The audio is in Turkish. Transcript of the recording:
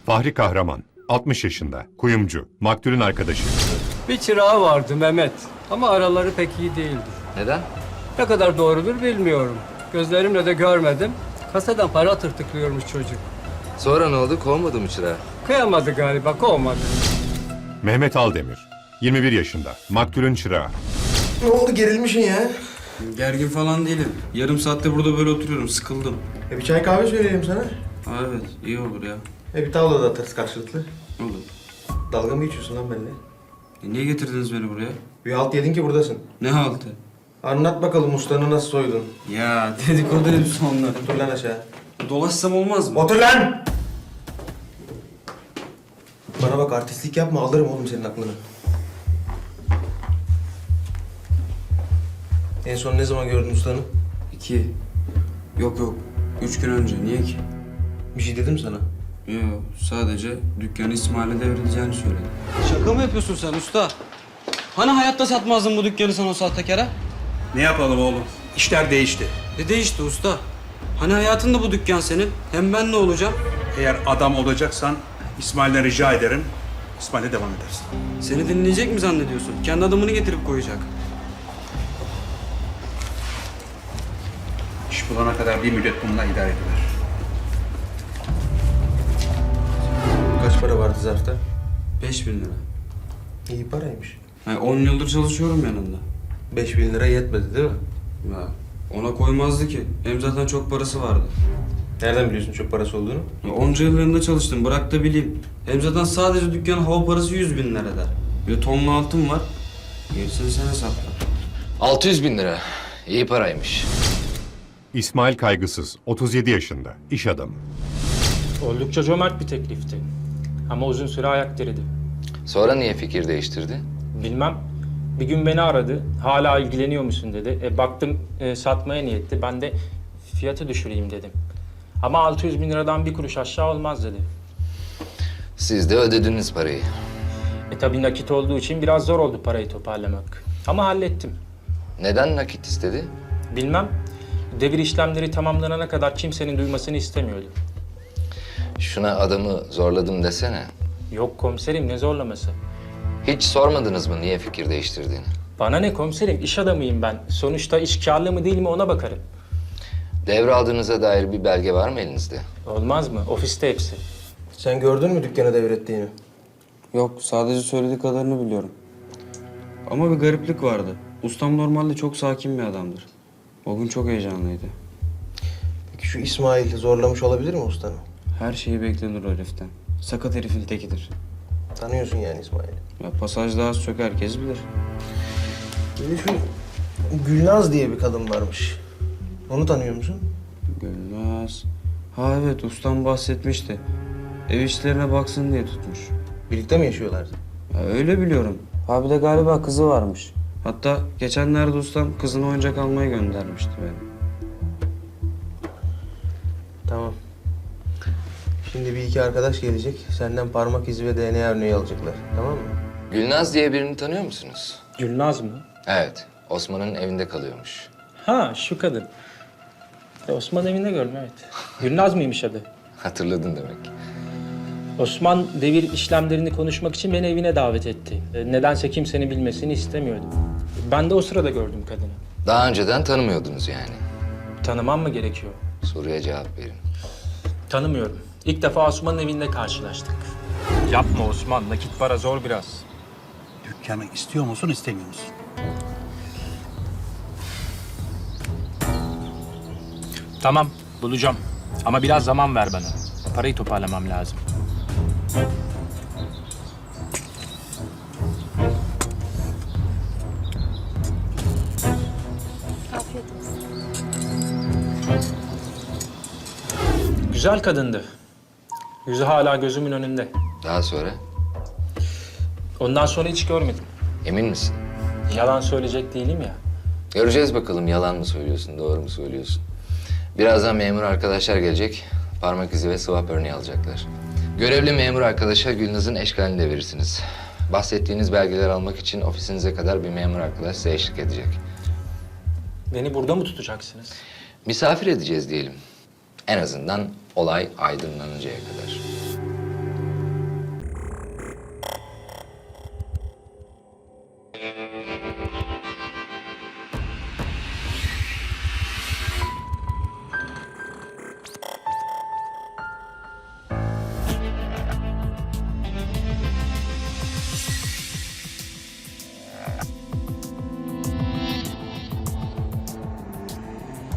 Fahri Kahraman, 60 yaşında, kuyumcu, maktulün arkadaşı. Bir çırağı vardı Mehmet ama araları pek iyi değildi. Neden? Ne kadar doğrudur bilmiyorum. Gözlerimle de görmedim. Kasadan para tırtıklıyormuş çocuk. Sonra ne oldu? Kovmadı mı çırağı? Kıyamadı galiba, kovmadı. Mehmet Aldemir, 21 yaşında, maktulün çırağı. Ne oldu, gerilmişsin ya? Gergin falan değilim. Yarım saatte burada böyle oturuyorum. Sıkıldım. Bir çay kahve söyleyeyim sana. Evet, iyi olur ya. Bir tavla da atarız karşılıklı. Olur. Dalga mı geçiyorsun lan benimle? Niye getirdiniz beni buraya? Bir halt yedin ki buradasın. Ne haltı? Anlat bakalım ustanı nasıl soydun? Ya dedikodu hepsi onlar. Otur lan aşağı. Dolaşsam olmaz mı? Otur lan! Bana bak, artistlik yapma, alırım oğlum senin aklını. En son ne zaman gördün ustanı? 2. Yok. 3 gün önce. Niye ki? Bir şey dedim sana. Yok, sadece dükkanı İsmail'e devredeceğini söyledi. Şaka mı yapıyorsun sen usta? Hani hayatta satmazdın bu dükkanı sen o sahtekara? Ne yapalım oğlum? İşler değişti. Ne değişti usta? Hani hayatında bu dükkan senin? Hem ben ne olacağım? Eğer adam olacaksan İsmail'den rica ederim. İsmail'e devam edersin. Seni dinleyecek mi zannediyorsun? Kendi adamını getirip koyacak. İş bulana kadar bir müddet bununla idare edilir. Kaç para vardı zarfta? 5.000 lira. İyi paraymış. Yani 10 yıldır çalışıyorum yanında. 5.000 lira yetmedi değil mi? Ya ona koymazdı ki. Hem zaten çok parası vardı. Nereden biliyorsun çok parası olduğunu? Ya onca yıl yanında çalıştım. Bırak da bileyim. Hem zaten sadece dükkanın hava parası 100.000 lira eder. Bir de tonlu altın var. Gerisini sen hesapla. 600.000 lira. İyi paraymış. İsmail Kaygısız, 37 yaşında, iş adamı. Oldukça cömert bir teklifti. Ama uzun süre ayak diredi. Sonra niye fikir değiştirdi? Bilmem. Bir gün beni aradı. Hala ilgileniyor musun dedi. Baktım satmaya niyetli. Ben de fiyatı düşüreyim dedim. Ama 600.000 liradan bir kuruş aşağı olmaz dedi. Siz de ödediniz parayı. Tabii nakit olduğu için biraz zor oldu parayı toparlamak. Ama hallettim. Neden nakit istedi? Bilmem. Devir işlemleri tamamlanana kadar kimsenin duymasını istemiyordu. Şuna adamı zorladım desene. Yok komiserim, ne zorlaması? Hiç sormadınız mı niye fikir değiştirdiğini? Bana ne komiserim, iş adamıyım ben. Sonuçta iş kârlı mı değil mi ona bakarım. Devraldığınıza dair bir belge var mı elinizde? Olmaz mı? Ofiste hepsi. Sen gördün mü dükkanı devrettiğini? Yok, sadece söylediği kadarını biliyorum. Ama bir gariplik vardı. Ustam normalde çok sakin bir adamdır. O gün çok heyecanlıydı. Peki şu İsmail zorlamış olabilir mi ustanı? Her şeyi beklenir o heriften. Sakat herifin tekidir. Tanıyorsun yani İsmail'i. Ya pasajda az çok herkes bilir. Bir de şu Gülnaz diye bir kadın varmış. Onu tanıyor musun? Gülnaz. Ha evet, ustam bahsetmişti. Ev işlerine baksın diye tutmuş. Birlikte mi yaşıyorlardı? Ya öyle biliyorum. Ha bir de galiba kızı varmış. Hatta geçenlerde ustam kızına oyuncak almaya göndermişti beni. Tamam. Şimdi bir iki arkadaş gelecek. Senden parmak izi ve DNA örneği alacaklar. Tamam mı? Gülnaz diye birini tanıyor musunuz? Gülnaz mı? Evet. Osman'ın evinde kalıyormuş. Ha, şu kadın. Osman evinde gördüm, evet. Gülnaz mıymış adı? Hatırladın demek. Osman devir işlemlerini konuşmak için beni evine davet etti. Nedense kimsenin bilmesini istemiyordum. Ben de o sırada gördüm kadını. Daha önceden tanımıyordunuz yani. Tanımam mı gerekiyor? Soruya cevap verin. Tanımıyorum. İlk defa Osman'ın evinde karşılaştık. Yapma Osman, nakit para zor biraz. Dükkanı istiyor musun, istemiyor musun? Tamam, bulacağım. Ama biraz zaman ver bana. Parayı toparlamam lazım. Afiyet olsun. Güzel kadındı. Yüzü hala gözümün önünde. Daha sonra? Ondan sonra hiç görmedim. Emin misin? Yalan söyleyecek değilim ya. Göreceğiz bakalım yalan mı söylüyorsun, doğru mu söylüyorsun. Birazdan memur arkadaşlar gelecek. Parmak izi ve swap örneği alacaklar. Görevli memur arkadaşa Gülnaz'ın eşkalini de verirsiniz. Bahsettiğiniz belgeler almak için ofisinize kadar bir memur arkadaş size eşlik edecek. Beni burada mı tutacaksınız? Misafir edeceğiz diyelim. En azından olay aydınlanıncaya kadar.